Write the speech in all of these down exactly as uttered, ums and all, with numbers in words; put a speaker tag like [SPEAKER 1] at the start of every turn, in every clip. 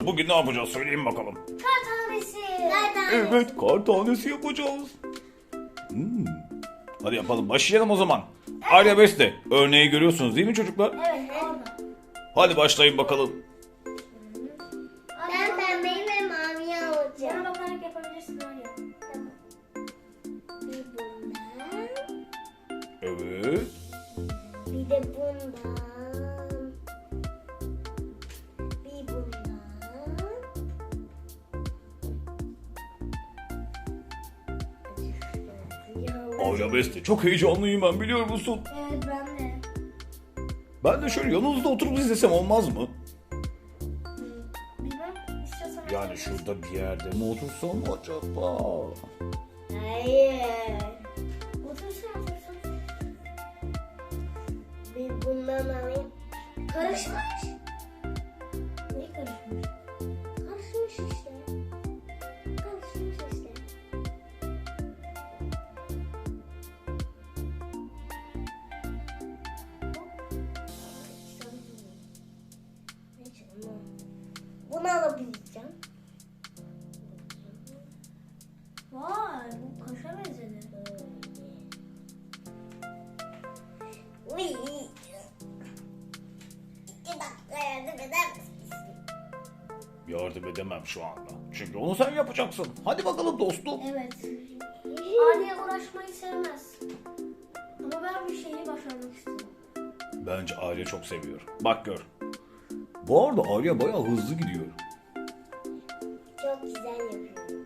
[SPEAKER 1] bugün ne yapacağız söyleyin bakalım.
[SPEAKER 2] Kar tanesi. Kar tanesi.
[SPEAKER 1] Evet, kar tanesi yapacağız. Hmm. Hadi yapalım, başlayalım o zaman. Arya Beste, örneği görüyorsunuz değil mi çocuklar?
[SPEAKER 2] Evet, orada.
[SPEAKER 1] Hadi başlayın bakalım.
[SPEAKER 2] Ben pembeyi ve maviyi alacağım. Bana bakarak yapabilirsin Arya. Tamam. Bir bundan.
[SPEAKER 1] Evet.
[SPEAKER 2] Bir de bundan. Bir bundan.
[SPEAKER 1] Arya Beste, çok heyecanlıyım ben, biliyor musun?
[SPEAKER 2] Evet, ben de.
[SPEAKER 1] Ben de şöyle yanınızda oturup izlesem olmaz mı?
[SPEAKER 2] Bilmem. İstiyorsan.
[SPEAKER 1] Yani şurada bir yerde mi otursam acaba?
[SPEAKER 2] Hayır. Otursun otursun. Bir bundan alayım. Karışmış. Ne karışmış? Karışmış işte. Karışmış işte. Bunu alabileceğim. Vay, bu kaşa benzedi. Uy. İki dakika yardım eder misin?
[SPEAKER 1] Yardım edemem şu anda. Çünkü onu sen yapacaksın. Hadi bakalım dostum.
[SPEAKER 2] Evet. Arya uğraşmayı sevmez. Ama ben bir şeyi başarmak istiyorum.
[SPEAKER 1] Bence Arya çok seviyor. Bak gör. Bu arada Arya bayağı hızlı gidiyor.
[SPEAKER 2] Çok güzel yapıyorum.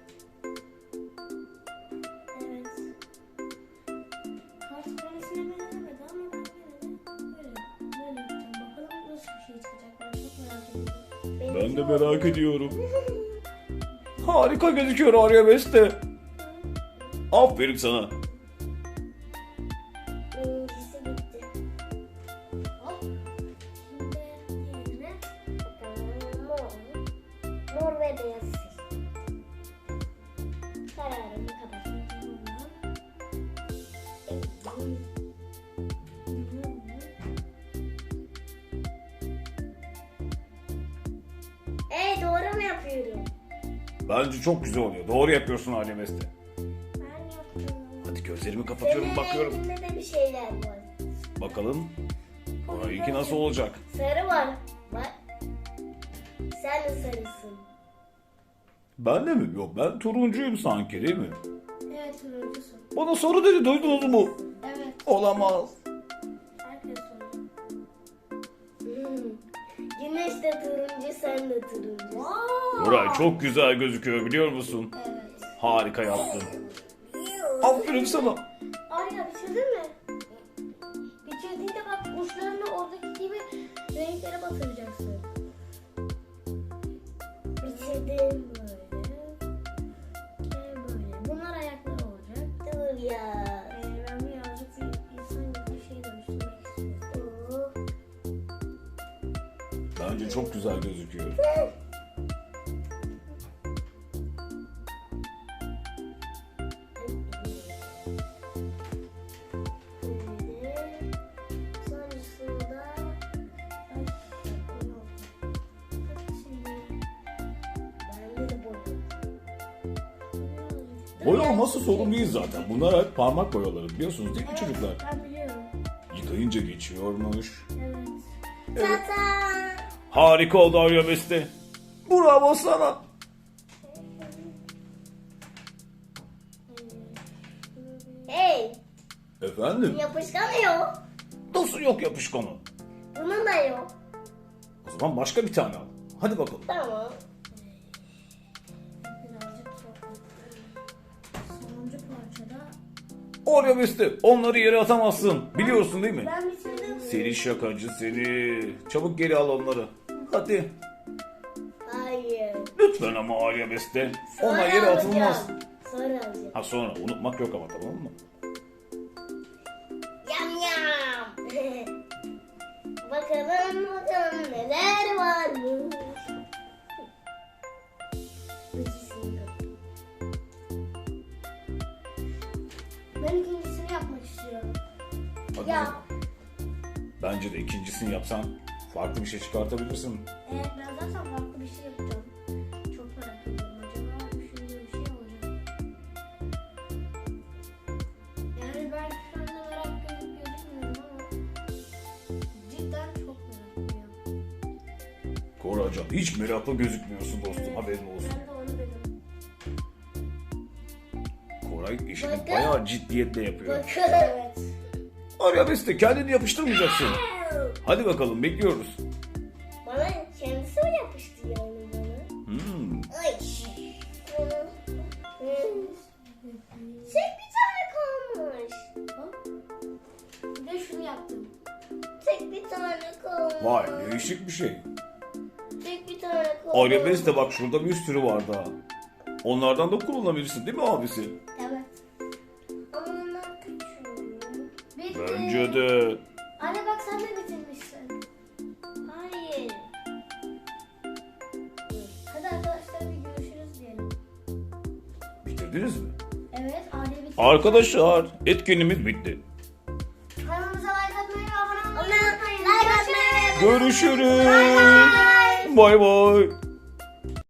[SPEAKER 2] Evet. Kart karesine benzemedi ama ben yine de böyle, böyle yapacağım. Bakalım nasıl bir şey çıkacak. Ben çok merak ediyorum.
[SPEAKER 1] Ben de merak ediyorum. Harika gözüküyor Arya Beste. Aferin sana.
[SPEAKER 2] Birincisi bitti. Hop. Şimdi diğerine bakalım. Mor. Mor ve beyaz seçtim. Kararımı kapatıyorum. Evet, doğru mu yapıyorum?
[SPEAKER 1] Bence çok güzel oluyor. Doğru yapıyorsun Arya Beste.
[SPEAKER 2] Ben yaptım.
[SPEAKER 1] Hadi gözlerimi kapatıyorum,
[SPEAKER 2] Senin
[SPEAKER 1] bakıyorum.
[SPEAKER 2] renginde de bir şeyler var.
[SPEAKER 1] Bakalım. Orayınki nasıl olacak?
[SPEAKER 2] Sarı var. Bak. Sen de sarısın.
[SPEAKER 1] Ben de mi? Yok, ben turuncuyum sanki değil mi?
[SPEAKER 2] Evet, turuncusun.
[SPEAKER 1] Bana soru dedi, duydunuz mu?
[SPEAKER 2] Evet.
[SPEAKER 1] Olamaz.
[SPEAKER 2] Herkes soruyor. Hmm. Güneş de turuncu, sen de turuncu. Wow.
[SPEAKER 1] Koray çok güzel gözüküyor, biliyor musun?
[SPEAKER 2] Evet.
[SPEAKER 1] Harika yaptın. Aferin sana.
[SPEAKER 2] Arya, bitirdin mi? Bitirdiğinde bak, uçlarını oradaki gibi renklere batıracaksın. Bitirdim böyle. Ve böyle. Bunlar ayakları olacak. Dur ya. Ee, ben birazcık bir insan gibi bir şey dönüştürmek istiyorum.
[SPEAKER 1] Bence çok güzel gözüküyor.
[SPEAKER 2] Sonrasında bende de boya.
[SPEAKER 1] Boya olması sorun değil zaten. Bunlar hep parmak boyaları, biliyorsunuz değil mi çocuklar?
[SPEAKER 2] Ben biliyorum.
[SPEAKER 1] Yıkayınca geçiyormuş.
[SPEAKER 2] Evet.
[SPEAKER 1] Evet.
[SPEAKER 2] Tata.
[SPEAKER 1] Harika oldu Arya Beste. Bravo sana.
[SPEAKER 2] Hey,
[SPEAKER 1] Efendim?
[SPEAKER 2] yapışkan yok.
[SPEAKER 1] Nasıl yok yapışkanı?
[SPEAKER 2] Bunun da yok.
[SPEAKER 1] O zaman başka bir tane al. Hadi bakalım.
[SPEAKER 2] Tamam. Birazcık çok. Sonuncu parçada.
[SPEAKER 1] Arya Beste, onları yere atamazsın. Biliyorsun değil mi?
[SPEAKER 2] Ben bitirdim.
[SPEAKER 1] Seni şakacı seni. Çabuk geri al onları. Hadi.
[SPEAKER 2] Hayır.
[SPEAKER 1] Lütfen ama Arya Beste. Onlar
[SPEAKER 2] Sonra
[SPEAKER 1] yere atılmaz.
[SPEAKER 2] alacağım. Sonra alacağım.
[SPEAKER 1] Ha sonra unutmak yok ama, tamam mı?
[SPEAKER 2] Yam yam. Bakalım bakalım neler varmış. Ben ikincisini yapmak istiyorum.
[SPEAKER 1] Hadi
[SPEAKER 2] Ya.
[SPEAKER 1] bakalım. Bence de ikincisini yapsan farklı bir şey çıkartabilirsin.
[SPEAKER 2] Evet, ben zaten farklı bir şey yapacağım.
[SPEAKER 1] Koracan hiç meraklı gözükmüyorsun dostum, haberin olsun.
[SPEAKER 2] Ben de onu dedim.
[SPEAKER 1] Koray işini
[SPEAKER 2] Bakın.
[SPEAKER 1] bayağı ciddiyetle yapıyor.
[SPEAKER 2] Bakın. Evet.
[SPEAKER 1] Arya Beste kendini yapıştırmayacaksın. Hadi bakalım, bekliyoruz.
[SPEAKER 2] Bana kendisi mi yapıştı yani bana?
[SPEAKER 1] Hmm.
[SPEAKER 2] Ay. Tek bir tane kalmış. Bir de şunu yaptım. Tek bir tane kalmış.
[SPEAKER 1] Vay, değişik bir şey.
[SPEAKER 2] Tek bir tane kalmış.
[SPEAKER 1] Arya Beste bak, şurada bir sürü var daha. Onlardan da kullanabilirsin değil mi abisi?
[SPEAKER 2] Evet. Ama onlar küçük. Bitti.
[SPEAKER 1] Bence de.
[SPEAKER 2] Anne bak sen de bitirmişsin. Hayır. Hadi arkadaşlar bir görüşürüz diyelim.
[SPEAKER 1] Bitirdiniz mi?
[SPEAKER 2] Evet Arya bitirdi.
[SPEAKER 1] Arkadaşlar, etkinliğimiz bitti.
[SPEAKER 2] Kanalımıza like atmayı ve abone olmayı unutmayın. Like atmayı.
[SPEAKER 1] Görüşürüz. Bay bay.